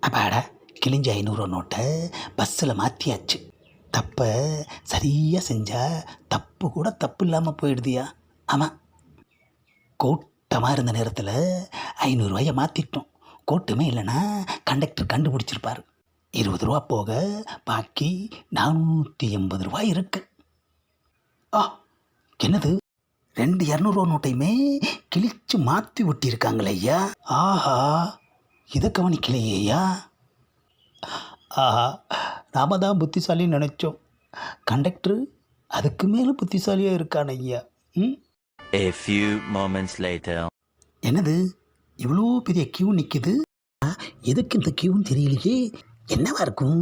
அப்பாடா, கிழிஞ்ச 500 நோட்டை பஸ்ஸில் மாற்றியாச்சு. தப்பை சரியாக செஞ்சால் தப்பு கூட தப்பு இல்லாமல் போயிடுதியா? ஆமாம், கூட்டமாக இருந்த நேரத்தில் 500 மாற்றிட்டோம். கூட்டமே இல்லைன்னா கண்டக்டர் கண்டுபிடிச்சிருப்பார். 20 ரூபா போக பாக்கி 480 ரூபாய் இருக்கு. ஆ, என்னது 2 200 நோட்டையுமே கிழிச்சு மாற்றி ஒட்டியிருக்காங்களே ஐயா. ஆஹா, இதை கவனிக்கலையே ஐயா. ஆஹா, நாம தான் புத்திசாலின்னு நினச்சோம். கண்டக்டர் அதுக்கு மேலே புத்திசாலியாக இருக்கான் ஐயா. ம். A few moments later. என்னது இவ்வளோ பெரிய கியூ நிற்குது? எதுக்கு இந்த கியூன்னு தெரியலையே. என்னவா இருக்கும்?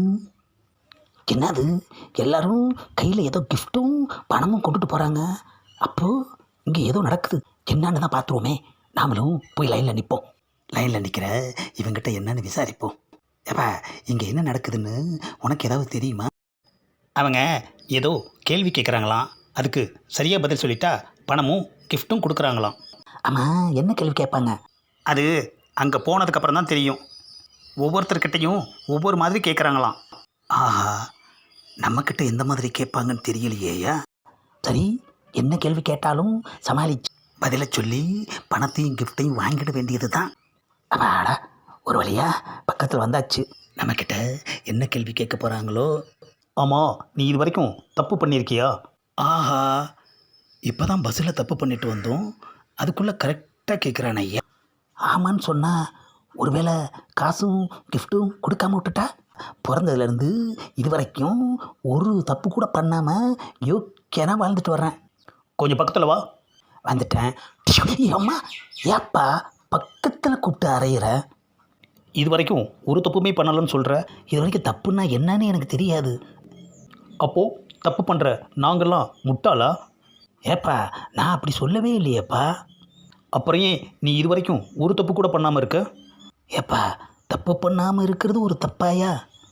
என்னது எல்லாரும் கையில் ஏதோ கிஃப்ட்டும் பணமும் கொண்டுட்டு போகிறாங்க. அப்போது இங்கே ஏதோ நடக்குது. என்னன்னு தான் பார்த்துருவோமே. நாமளும் போய் லைனில் நிற்போம். லைனில் நிற்கிற இவங்கிட்ட என்னன்னு விசாரிப்போம். ஏப்பா, இங்கே என்ன நடக்குதுன்னு உனக்கு ஏதாவது தெரியுமா? அவங்க ஏதோ கேள்வி கேட்குறாங்களாம். அதுக்கு சரியாக பதில் சொல்லிட்டா பணமும் கிஃப்ட்டும் கொடுக்குறாங்களாம். ஆமாம், என்ன கேள்வி கேட்பாங்க? அது அங்கே போனதுக்கப்புறம் தான் தெரியும். ஒவ்வொருத்தர்கிட்டையும் ஒவ்வொரு மாதிரி கேட்குறாங்களாம். ஆஹா, நம்மக்கிட்ட எந்த மாதிரி கேட்பாங்கன்னு தெரியலையேயா. சரி, என்ன கேள்வி கேட்டாலும் சமாளிச்சு பதிலை சொல்லி பணத்தையும் கிஃப்ட்டையும் வாங்கிட வேண்டியது தான். அப்பாடா, ஒரு வழியா பக்கத்தில் வந்தாச்சு. நம்மக்கிட்ட என்ன கேள்வி கேட்க போகிறாங்களோ. ஆமாம், நீ இது வரைக்கும் தப்பு பண்ணியிருக்கியா? ஆஹா, இப்போ தான் பஸ்ஸில் தப்பு பண்ணிட்டு வந்தோம். அதுக்குள்ளே கரெக்டாக கேட்குறான் ஐயா. ஆமான்னு சொன்னால் ஒருவேளை காசும் கிஃப்ட்டும் கொடுக்காம விட்டுட்டா? பிறந்ததுலேருந்து இது வரைக்கும் ஒரு தப்பு கூட பண்ணாமல் யோக்கியனா வாழ்ந்துட்டு வர்றேன். கொஞ்சம் பக்கத்தில் வா. வந்துட்டேன். அம்மா, ஏப்பா பக்கத்தில் கூப்பிட்டு அறையிற? இது வரைக்கும் ஒரு தப்புமே பண்ணலன்னு சொல்கிற. இது வரைக்கும் தப்புன்னா என்னன்னு எனக்கு தெரியாது. அப்போது தப்பு பண்ணுற நாங்கள்லாம் முட்டாளா? ஏப்பா, நான் அப்படி சொல்லவே இல்லையேப்பா. அப்புறம் ஏன் நீ இது வரைக்கும் ஒரு தப்பு கூட பண்ணாமல் இருக்க? ஏப்பா, தப்பு பண்ணாமல் இருக்கிறது ஒரு தப்பாயா?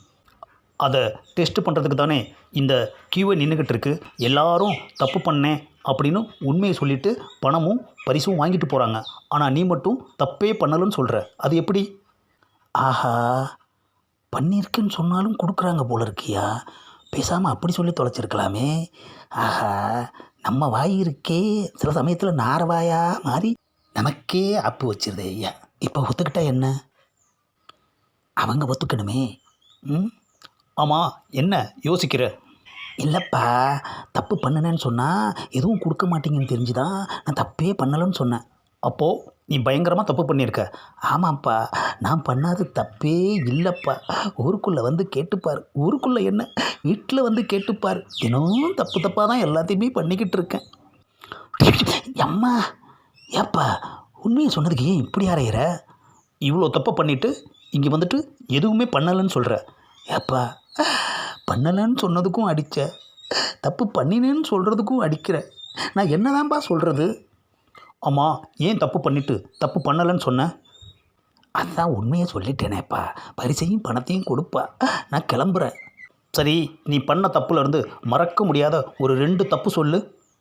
அதை டெஸ்ட் பண்ணுறதுக்கு தானே இந்த கியூவை நின்றுக்கிட்டு இருக்கு. எல்லாரும் தப்பு பண்ணேன் அப்படின்னு உண்மையை சொல்லிவிட்டு பணமும் பரிசும் வாங்கிட்டு போகிறாங்க. ஆனால் நீ மட்டும் தப்பே பண்ணலன்னு சொல்கிற. அது எப்படி? ஆஹா, பண்ணியிருக்குன்னு சொன்னாலும் கொடுக்குறாங்க போல இருக்கியா. பேசாமல் அப்படி சொல்லி தொலைச்சிருக்கலாமே. ஆஹா, நம்ம வாய் இருக்கே சில சமயத்தில் நாரவாயா மாறி நமக்கே ஆப்பு வச்சிருதே ஐயா. இப்போ ஒத்துக்கிட்டா என்ன? அவங்க ஒத்துக்கணுமே. ம். ஆமாம், என்ன யோசிக்கிற? இல்லைப்பா, தப்பு பண்ணினேன்னு சொன்னால் எதுவும் கொடுக்க மாட்டீங்கன்னு தெரிஞ்சுதான் நான் தப்பே பண்ணலைன்னு சொன்னேன். அப்போது நீ பயங்கரமாக தப்பு பண்ணியிருக்க. ஆமாப்பா, நான் பண்ணாத தப்பே இல்லைப்பா. ஊருக்குள்ளே வந்து கேட்டுப்பார். ஊருக்குள்ளே என்ன, வீட்டில் வந்து கேட்டுப்பார். தினமும் தப்பு தப்பாக தான் எல்லாத்தையுமே பண்ணிக்கிட்டு இருக்கேன். அம்மா, ஏப்பா உண்மையை சொன்னதுக்கு ஏன் இப்படி அறையிற? இவ்வளோ தப்பை பண்ணிவிட்டு இங்கே வந்துட்டு எதுவுமே பண்ணலைன்னு சொல்கிற. ஏப்பா, பண்ணலைன்னு சொன்னதுக்கும் அடித்த, தப்பு பண்ணினேன்னு சொல்கிறதுக்கும் அடிக்கிற. நான் என்னதான்ப்பா சொல்கிறது? ஆமாம், ஏன் தப்பு பண்ணிவிட்டு தப்பு பண்ணலைன்னு சொன்னேன்? அதுதான் உண்மையை சொல்லிட்டேனேப்பா. பரிசையும் பணத்தையும் கொடுப்பா. நான் கிளம்புறேன். சரி, நீ பண்ண தப்புலேருந்து மறக்க முடியாத ஒரு 2 தப்பு சொல்லு.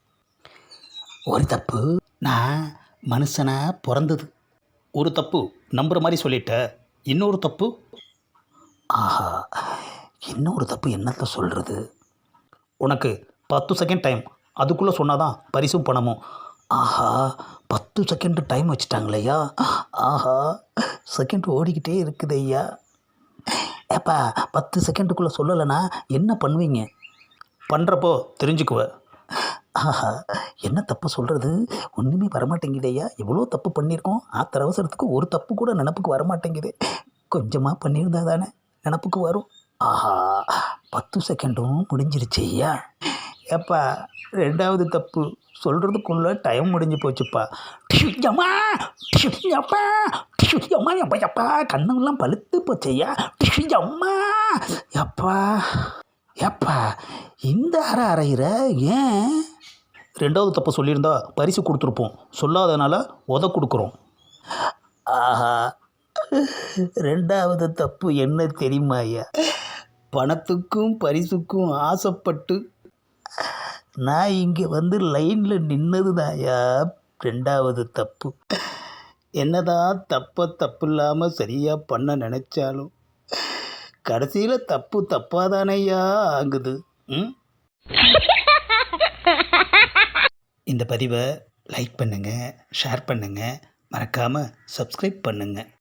ஒரு தப்பு, நான் மனுஷனாக பிறந்தது. ஒரு தப்பு நம்புகிற மாதிரி சொல்லிட்ட. இன்னொரு தப்பு? ஆஹா, இன்னொரு தப்பு என்னத்தை சொல்கிறது? உனக்கு 10 செகண்ட் டைம். அதுக்குள்ளே சொன்னாதான் பரிசும் பணமும். ஆஹா, 10 செகண்டு டைம் வச்சுட்டாங்களேயா. ஆஹா, செகண்ட் ஓடிக்கிட்டே இருக்குது ஐயா. ஏப்பா, 10 செகண்டுக்குள்ளே சொல்லலைன்னா என்ன பண்ணுவீங்க? பண்ணுறப்போ தெரிஞ்சுக்குவ. ஆஹா, என்ன தப்பு சொல்கிறது? ஒன்றுமே வரமாட்டேங்குது ஐயா. எவ்வளோ தப்பு பண்ணியிருக்கோம். ஆத்திர அவசரத்துக்கு ஒரு தப்பு கூட நினப்புக்கு வரமாட்டேங்குது. கொஞ்சமாக பண்ணியிருந்தா தானே நினப்புக்கு வரும். ஆஹா, 10 செகண்டும் முடிஞ்சிருச்சு ஐயா. ஏப்பா, 2வது தப்பு சொல்கிறதுக்குள்ளே டைம் முடிஞ்சு போச்சுப்பா. அம்மா, அப்பா, அம்மா, அப்பா, அப்பா, கண்ணெல்லாம் பழுத்து போச்சையா. அம்மா, அப்பா, ஏப்பா, இந்த அறையிற ஏன்? 2வது தப்பு சொல்லியிருந்தா பரிசு கொடுத்துருப்போம். சொல்லாதனால உத கொடுக்குறோம். ஆஹா, 2வது தப்பு என்ன தெரியுமா ஐயா? பணத்துக்கும் பரிசுக்கும் ஆசைப்பட்டு நான் இங்கே வந்து லைனில் நின்னது தாயா 2வது தப்பு. என்னதான் தப்பு இல்லாமல் சரியாக பண்ண நினச்சாலும் கடைசியில் தப்பு தப்பாதானையா ஆகுது. ம் இந்த பதிவை லைக் பண்ணுங்கள், ஷேர் பண்ணுங்கள், மறக்காமல் சப்ஸ்கிரைப் பண்ணுங்கள்.